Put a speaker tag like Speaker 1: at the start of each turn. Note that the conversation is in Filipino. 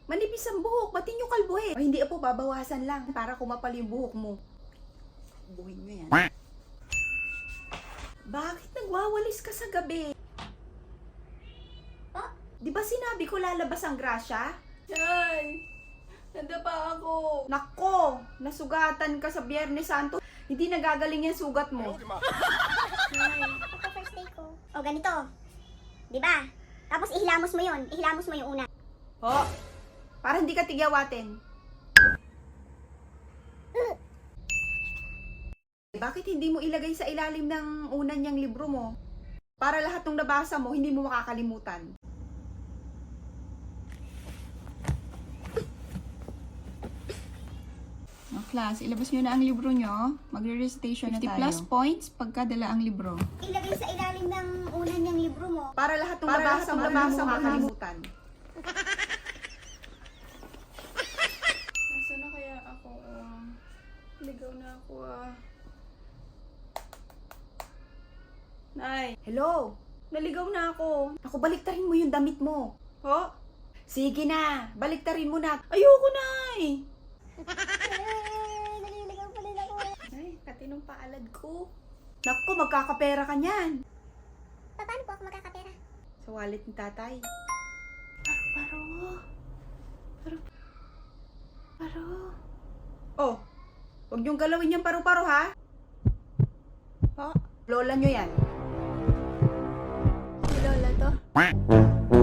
Speaker 1: Manipis ang buhok, ba't nyo kalbuhin? O hindi po, babawasan lang para kumapal yung buhok mo. Buhin nyo yan. Bakit nagwawalis ka sa gabi?
Speaker 2: Pa?
Speaker 1: Di ba sinabi ko lalabas ang grasya?
Speaker 2: Nay! Nadapa ako!
Speaker 1: Nako, nasugatan ka sa Biyernes Santo. Hindi nagagaling yan sugat mo.
Speaker 2: Nay, ito first day ko. O, ganito. Diba? Tapos ihilamos mo yun. Ihilamos mo yung una.
Speaker 1: Ho, para hindi ka tigyawatin. Bakit hindi mo ilagay sa ilalim ng unan niyang libro mo? Para lahat ng nabasa mo, hindi mo makakalimutan. Class, ilabas nyo na ang libro nyo. Magre-recitation na tayo. 50 plus points pagkadala ang libro.
Speaker 2: Ilagay sa ilalim ng una niyang libro mo.
Speaker 1: Para lahat ng nabasa mo, hindi mo makakalimutan.
Speaker 2: Nasaan na kaya ako? Ligaw na ako Nay,
Speaker 1: Hello?
Speaker 2: naligaw na ako.
Speaker 1: Ako, baliktarin mo yung damit mo.
Speaker 2: Ho?
Speaker 1: Sige na, baliktarin mo na.
Speaker 2: Ayoko, Nay! Naliligaw pa rin ako. Ay, katinong paalad ko.
Speaker 1: Naku, magkakapera ka niyan.
Speaker 2: Paano po ako magkakapera?
Speaker 1: Sa wallet ni tatay. Paro. Oh, huwag niyong galawin yung paru-paro, ha?
Speaker 2: Ho?
Speaker 1: Lola niyo yan.
Speaker 2: Si Lola to?